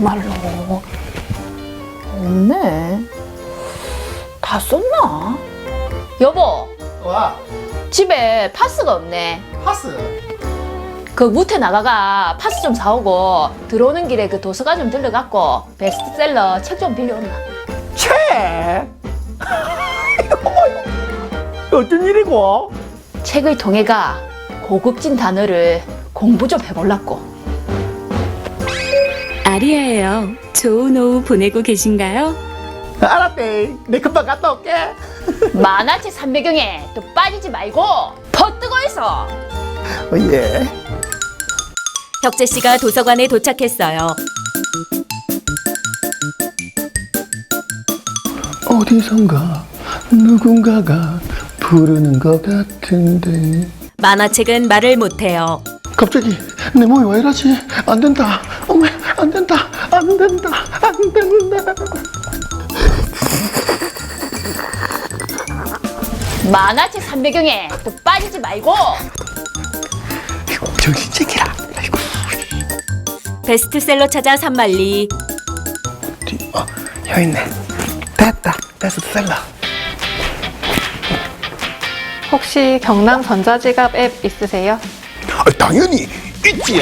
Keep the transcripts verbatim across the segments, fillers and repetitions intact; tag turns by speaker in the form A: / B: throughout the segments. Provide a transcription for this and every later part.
A: 정말로. 없네. 다 썼나? 여보,
B: 와,
A: 집에 파스가 없네.
B: 파스.
A: 그 무태 나가가 파스 좀 사오고 들어오는 길에 그 도서관 좀 들러갖고 베스트셀러 책 좀 빌려온나.
B: 책? 어쩐 일이고?
A: 책의 통해가 고급진 단어를 공부 좀 해볼라고.
C: 아리아예요. 좋은 오후 보내고 계신가요?
B: 알았대. 내 금방 갔다 올게.
A: 만화책 삼배경에 또 빠지지 말고 퍼뜨고 있어.
B: 어, 예.
C: 혁재 씨가 도서관에 도착했어요.
B: 어디선가 누군가가 부르는 것 같은데.
C: 만화책은 말을 못해요.
B: 갑자기 내 몸이 왜 이러지? 안 된다. 어머, 안 된다. 안 된다. 안 된다.
A: 만화책 삼배경에 또 빠지지 말고.
B: 아이고, 정신 차리라. 아이고.
C: 베스트셀러 찾아 산만리.
B: 뒤, 어, 여기 있네. 됐다. 베스트셀러.
D: 혹시 경남 전자지갑 앱 있으세요?
B: 아, 당연히 있지.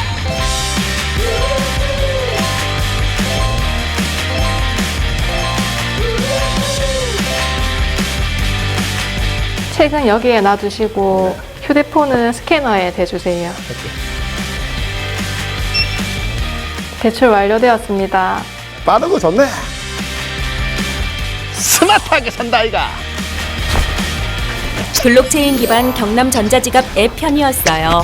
D: 책은 여기에 놔두시고 휴대폰은 스캐너에 대주세요. 대출 완료되었습니다.
B: 빠르고 좋네. 스마트하게 산다 아이가.
C: 블록체인 기반 경남 전자지갑 앱 편이었어요.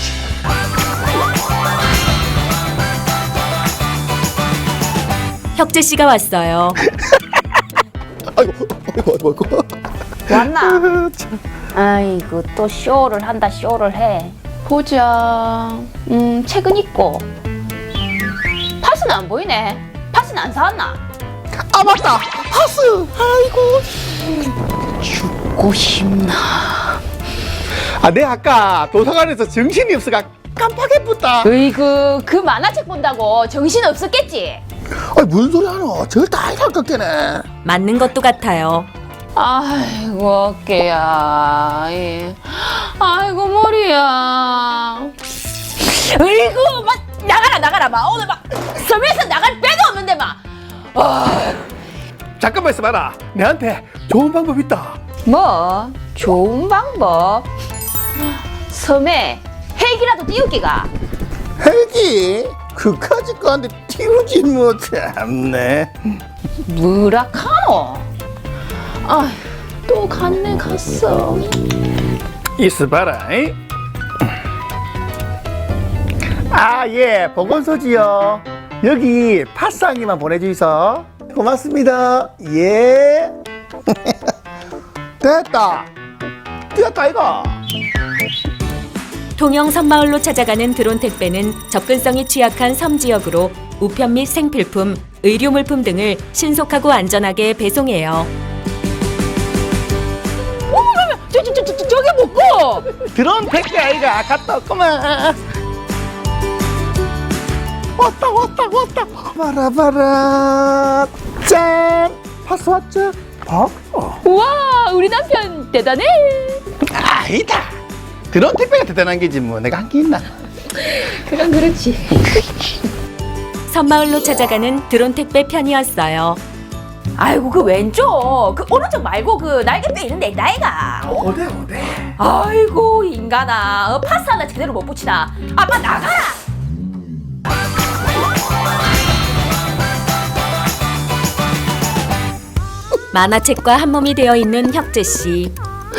C: 혁재 씨가 왔어요.
B: 아이고, 아이고, 아이고, 아이고.
A: 왔나? 아이고 또 쇼를 한다 쇼를 해. 보자. 음 책은 있고 파스는 안 보이네. 파스는 안 사왔나?
B: 아 맞다. 파스. 아이고.
A: 죽고 싶나?
B: 아, 내 아까 도서관에서 정신이 없어가 깜빡했다.
A: 으이구 그 만화책 본다고 정신 없었겠지?
B: 아니 무슨 소리 하노? 절대 아니랄 것 같네.
C: 맞는 것도 같아요.
A: 아이고 어깨야. 예. 아이고 머리야. 으이구 막 나가라 나가라 막 오늘 막 섬에서 나갈 배도 없는데 막. 아,
B: 잠깐만 있어봐라. 내한테 좋은 방법 있다.
A: 뭐 좋은 방법? 섬에 헬기라도 띄우기가.
B: 헬기? 그까짓 거한테 띄우지 뭐. 참네.
A: 뭐라카노? 아휴 또 갔네 갔어.
B: 있어봐라. 이? 아, 예, 보건소지요. 여기 파스항이만 보내주이소. 고맙습니다. 예. 됐다. 뛰었다 이거.
C: 통영 섬마을로 찾아가는 드론 택배는 접근성이 취약한 섬 지역으로 우편 및 생필품, 의료물품 등을 신속하고 안전하게 배송해요.
A: 저, 저, 저, 저, 저게 뭐고?
B: 드론 택배 아이가 갔다 왔구만. 왔다 왔다 왔다. 봐라 봐라. 짠. 파스 왔죠? 어? 어.
A: 우와 우리 남편 대단해.
B: 아니다. 드론 택배가 대단한 게지 뭐. 내가 한 게 있나?
A: 그건 그렇지.
C: 섬마을로 찾아가는 드론 택배 편이었어요.
A: 아이고 그 왼쪽 그 오른쪽 말고 그 날개뼈 있는데 나이가.
B: 어데 어데.
A: 아이고 인간아 어, 파스 하나 제대로 못 붙이나. 아빠 나가라.
C: 만화책과 한 몸이 되어 있는 혁재 씨.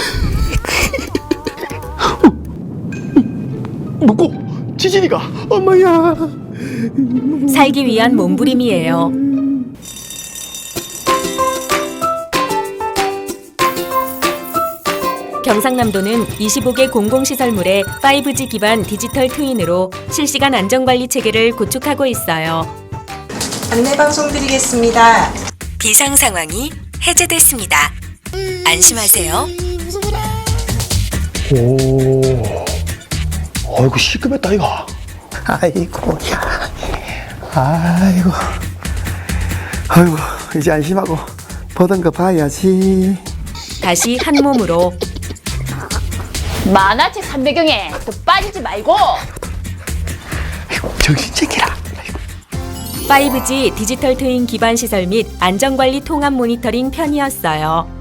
B: 뭐고? 지진이가. 엄마야.
C: 살기 위한 몸부림이에요. 경상남도는 이십오 개 공공시설물에 파이브지 기반 디지털 트윈으로 실시간 안전관리 체계를 구축하고 있어요.
E: 안내 방송 드리겠습니다.
C: 비상 상황이 해제됐습니다. 안심하세요.
B: 오. 아이고 시급했다 이거. 아이고 야. 아이고, 아이고, 이제 안심하고 보던 거 봐야지.
C: 다시 한 몸으로
A: 만화책 삼배경에 또 빠지지 말고.
B: 정신 챙기라.
C: 파이브지 디지털 트윈 기반 시설 및 안전관리 통합 모니터링 편이었어요.